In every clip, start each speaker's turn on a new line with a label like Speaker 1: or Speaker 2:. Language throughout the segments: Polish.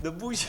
Speaker 1: Do buzi.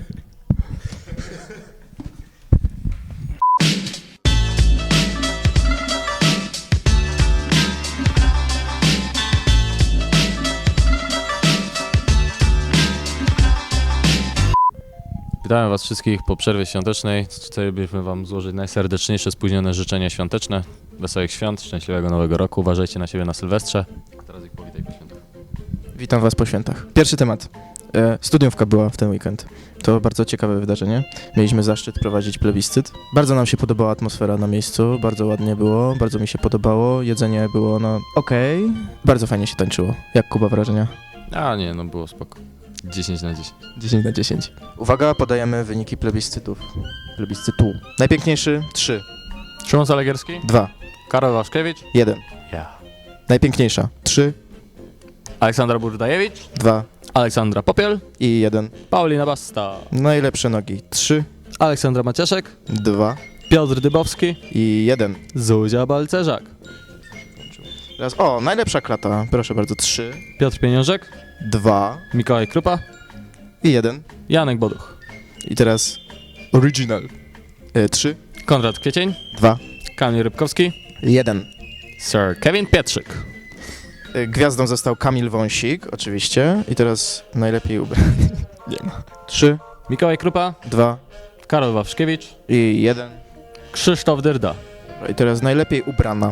Speaker 2: Witamy Was wszystkich po przerwie świątecznej. Chcielibyśmy Wam złożyć najserdeczniejsze spóźnione życzenia świąteczne. Wesołych świąt, szczęśliwego nowego roku. Uważajcie na siebie na Sylwestrze. A teraz ich powitaj po świętach.
Speaker 3: Witam Was po świętach. Pierwszy temat. Studiówka była w ten weekend. To bardzo ciekawe wydarzenie. Mieliśmy zaszczyt prowadzić plebiscyt. Bardzo nam się podobała atmosfera na miejscu, bardzo ładnie było, bardzo mi się podobało. Jedzenie było, okej. Bardzo fajnie się tańczyło. Jak Kuba wrażenia?
Speaker 2: A nie, no było spoko. 10 na 10.
Speaker 3: 10 na 10. Uwaga, podajemy wyniki plebiscytów. Plebiscytu. Najpiękniejszy 3,
Speaker 2: Szymon Zalegierski,
Speaker 3: 2,
Speaker 2: Karol Waszkiewicz,
Speaker 3: 1.
Speaker 2: ja.
Speaker 3: Najpiękniejsza 3,
Speaker 2: Aleksandra Burdajewicz,
Speaker 3: 2
Speaker 2: Aleksandra Popiel,
Speaker 3: i 1.
Speaker 2: Paulina Basta,
Speaker 3: Najlepsze nogi 3,
Speaker 2: Aleksandra Maciaszek,
Speaker 3: 2
Speaker 2: Piotr Dybowski,
Speaker 3: i 1.
Speaker 2: Zuzia Balcerzak,
Speaker 3: Teraz, najlepsza klata. Proszę bardzo, 3,
Speaker 2: Piotr Pieniążek,
Speaker 3: 2
Speaker 2: Mikołaj Krupa,
Speaker 3: i 1.
Speaker 2: Janek Boduch,
Speaker 3: I teraz original. 3,
Speaker 2: Konrad Kwiecień,
Speaker 3: 2,
Speaker 2: Kamil Rybkowski,
Speaker 3: 1.
Speaker 2: Sir Kevin Pietrzyk.
Speaker 3: Gwiazdą został Kamil Wąsik, oczywiście. I teraz najlepiej ubrany. Nie ma. 3,
Speaker 2: Mikołaj Krupa,
Speaker 3: 2
Speaker 2: Karol Wawrzkiewicz,
Speaker 3: i 1.
Speaker 2: Krzysztof Dyrda,
Speaker 3: I teraz najlepiej ubrana.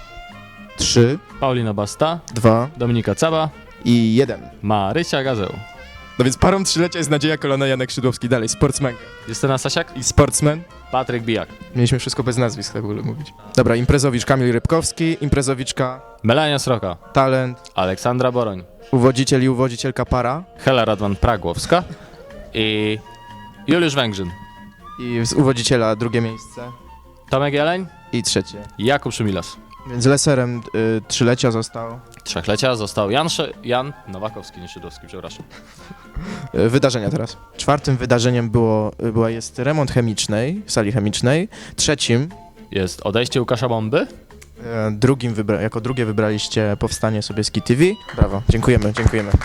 Speaker 3: 3,
Speaker 2: Paulina Basta,
Speaker 3: 2
Speaker 2: Dominika Caba,
Speaker 3: i 1.
Speaker 2: Marysia Gazeł,
Speaker 3: No więc parą trzylecia jest Nadzieja Kolona, Janek Szydłowski. Dalej, sportsman
Speaker 2: Justyna Sasiak,
Speaker 3: i sportsman.
Speaker 2: Patryk Bijak,
Speaker 3: Mieliśmy wszystko bez nazwisk, tak w ogóle mówić. Dobra, imprezowicz Kamil Rybkowski, imprezowiczka,
Speaker 2: Melania Sroka,
Speaker 3: talent,
Speaker 2: Aleksandra Boroń,
Speaker 3: uwodziciel i uwodzicielka para.
Speaker 2: Hela Radwan-Pragłowska i Juliusz Węgrzyn,
Speaker 3: I z uwodziciela drugie miejsce
Speaker 2: Tomek Jeleń,
Speaker 3: i trzecie.
Speaker 2: Jakub Szumilas.
Speaker 3: Więc leserem trzylecia został.
Speaker 2: Trzechlecia został Jan Nowakowski, nie Szydłowski, przepraszam.
Speaker 3: Wydarzenia teraz. Czwartym wydarzeniem jest remont chemicznej, sali chemicznej. Trzecim,
Speaker 2: Jest odejście Łukasza Bomby,
Speaker 3: drugim jako drugie wybraliście Powstanie Sobieski TV. Brawo, dziękujemy.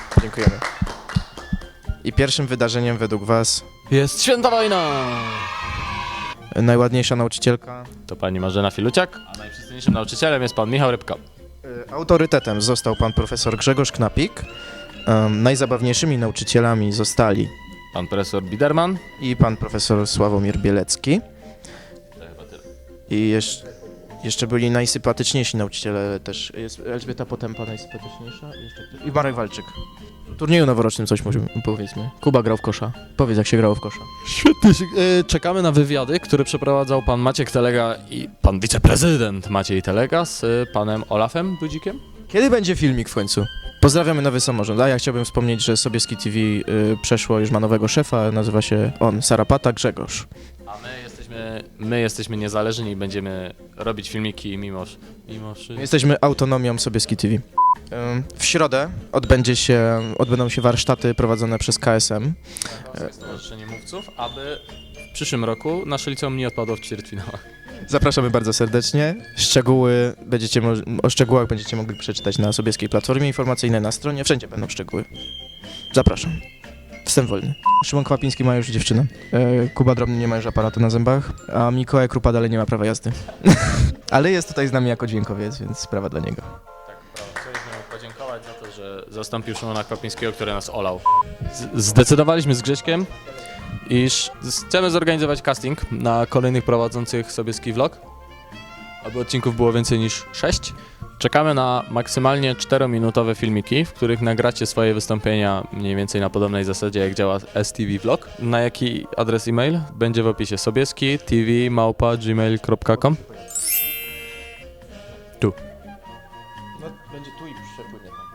Speaker 3: I pierwszym wydarzeniem według was
Speaker 2: jest Święta Wojna.
Speaker 3: najładniejsza nauczycielka.
Speaker 2: To pani Marzena Filuciak, a najprzystojniejszym nauczycielem jest pan Michał Rybka.
Speaker 3: Autorytetem został pan profesor Grzegorz Knapik. Najzabawniejszymi nauczycielami zostali
Speaker 2: Pan profesor Biderman.
Speaker 3: i pan profesor Sławomir Bielecki.
Speaker 2: To chyba tyle.
Speaker 3: I jeszcze byli najsympatyczniejsi nauczyciele też. Jest Elżbieta Potępa najsympatyczniejsza i Marek Walczyk. W turnieju noworocznym coś powiedzmy. Kuba grał w kosza. Powiedz, jak się grało w kosza.
Speaker 2: Świetnie. Czekamy na wywiady, które przeprowadzał pan Maciek Telega i pan wiceprezydent Maciej Telega z panem Olafem Dudzikiem.
Speaker 3: Kiedy będzie filmik w końcu? Pozdrawiamy Nowy Samorząd. A ja chciałbym wspomnieć, że Sobieski TV przeszło, już ma nowego szefa, nazywa się on Sarapata Grzegorz.
Speaker 2: A my jesteśmy niezależni i będziemy robić filmiki mimo
Speaker 3: My jesteśmy autonomią Sobieski TV. W środę odbędą się warsztaty prowadzone przez KSM.
Speaker 2: Stowarzyszenie Mówców, aby w przyszłym roku nasze liceum nie odpadło w ćwierćfinałach.
Speaker 3: Zapraszamy bardzo serdecznie. O szczegółach będziecie mogli przeczytać na Sobieskiej Platformie Informacyjnej na stronie. Wszędzie będą szczegóły. Zapraszam. Wstęp wolny. Szymon Kwapiński ma już dziewczynę. Kuba Drobny nie ma już aparatu na zębach, a Mikołaj Krupa dalej nie ma prawa jazdy. Ale jest tutaj z nami jako dźwiękowiec, więc sprawa dla niego.
Speaker 2: Tak, chcieliśmy mu podziękować za to, że zastąpił Szymona Kwapińskiego, który nas olał. Zdecydowaliśmy z Grześkiem, iż chcemy zorganizować casting na kolejnych prowadzących Sobieski Vlog, aby odcinków było więcej niż 6. Czekamy na maksymalnie 4-minutowe filmiki, w których nagracie swoje wystąpienia mniej więcej na podobnej zasadzie, jak działa STV Vlog. Na jaki adres e-mail? Będzie w opisie sobieski.tv@gmail.com. Tu.
Speaker 3: No, będzie tu i przepłynie tam.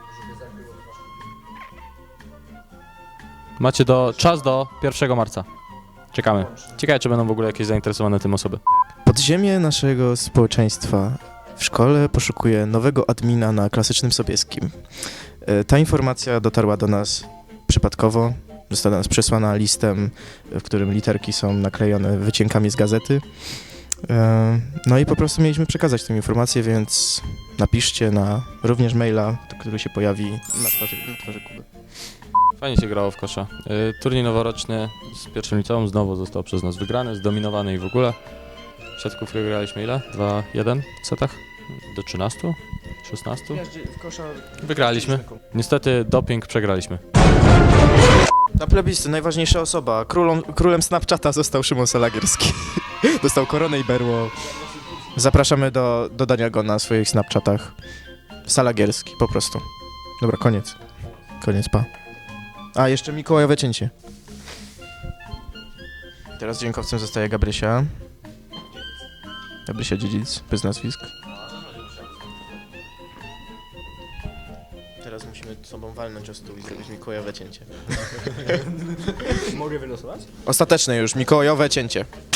Speaker 2: Macie czas do 1 marca. Czekamy. Ciekawe, czy będą w ogóle jakieś zainteresowane tym osoby.
Speaker 3: Podziemie naszego społeczeństwa w szkole poszukuje nowego admina na Klasycznym Sobieskim. Ta informacja dotarła do nas przypadkowo. Została do nas przesłana listem, w którym literki są naklejone wycinkami z gazety. No i po prostu mieliśmy przekazać tę informację, więc napiszcie również maila, który się pojawi na twarzy Kuby.
Speaker 2: Fajnie się grało w kosza. Turniej noworoczny z pierwszym liceum znowu został przez nas wygrany, zdominowany i w ogóle. Siatkówkę graliśmy ile? 2-1 w setach? Do 13? 16?
Speaker 3: W kosza
Speaker 2: Wygraliśmy. Niestety doping przegraliśmy.
Speaker 3: Na plebiscy najważniejsza osoba. Królem Snapchata został Szymon Salagierski. Dostał koronę i berło. Zapraszamy do dodania go na swoich Snapchatach. Salagierski, po prostu. Dobra, koniec. Koniec, pa. A, jeszcze Mikołajowe cięcie. Teraz dźwiękowcem zostaje Gabrysia. Gabrysia Dziedzic, bez nazwisk. Teraz musimy sobą walnąć o stół i zrobić Mikołajowe cięcie.
Speaker 1: Mogę wylosować?
Speaker 3: Ostateczne już, Mikołajowe cięcie.